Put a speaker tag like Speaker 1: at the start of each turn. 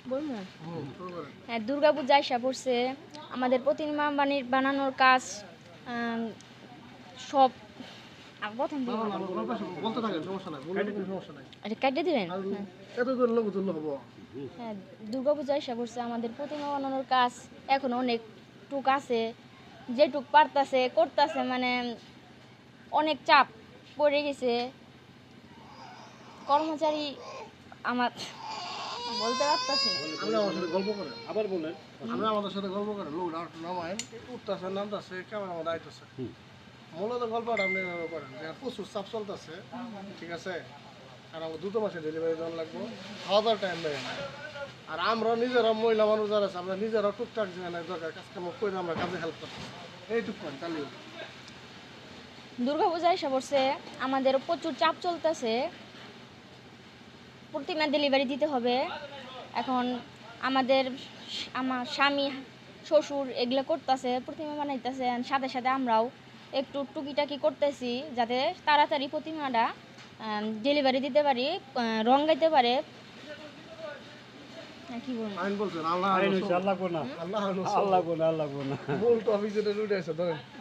Speaker 1: বলবো
Speaker 2: শুরু করেন।
Speaker 1: হ্যাঁ, দুর্গাপূজা এসে পড়ছে। আমাদের প্রতিমা বানানোর কাজ সব প্রথম
Speaker 2: না,
Speaker 1: থেকে
Speaker 2: না, না, গল্প শুনুন, বলতে থাকেন, সমস্যা নাই, বললে কোনো সমস্যা নাই।
Speaker 1: এটা কেটে দিবেন।
Speaker 2: আর
Speaker 1: হ্যাঁ
Speaker 2: এত করে লোক তুললে হবো।
Speaker 1: হ্যাঁ, দুর্গাপূজা এসে পড়ছে। আমাদের প্রতিমা বানানোর কাজ এখন অনেক টুক আছে, যেটুক পারতাছে করতেছে, মানে অনেক চাপ পড়ে গেছে। কর্মচারী আমার বলতে পারতাছি না।
Speaker 2: আপনি আমার সাথে গল্প করেন, আবার বলেন। আপনি আমাদের সাথে গল্প করেন, লোক নামায়েন, উঠতেছে নামতেছে, ক্যামেরা আমাদের আইতেছে। মূলত গল্পটা আপনি এভাবে করেন যে প্রচুর চাপ চলতেছে, ঠিক আছে, আর আমার 2 মাসে ডেলিভারি দেওয়া লাগবে, খাওয়া দাওয়ার টাইম লাগে না। আর আমরা নিজেরা মহিলা মানুষ যারা আছে, আমরা নিজেরা টুকটাক যেখানে দরকার কাজকাম করে আমরা কাজে হেল্প করতে, এইটুক করেন তাহলে
Speaker 1: দুর্গাপূজা এসে পড়ছে, আমাদের প্রচুর চাপ চলতেছে, প্রতিমা ডেলিভারি দিতে হবে। এখন আমাদের আমার স্বামী শ্বশুর এগুলো করতেছে, প্রতিমা বানাইতেছে, সাথে সাথে আমরাও একটু টুকিটাকি করতেছি যাতে তাড়াতাড়ি প্রতিমাটা ডেলিভারি দিতে পারি, রং গাইতে পারে। কি বলবো
Speaker 2: আইন বলছেন আল্লাহ
Speaker 3: আল্লাহ
Speaker 2: আল্লাহ
Speaker 3: আল্লাহ আল্লাহ
Speaker 2: মূল টপিক যেটা উঠে আছে ধরেন।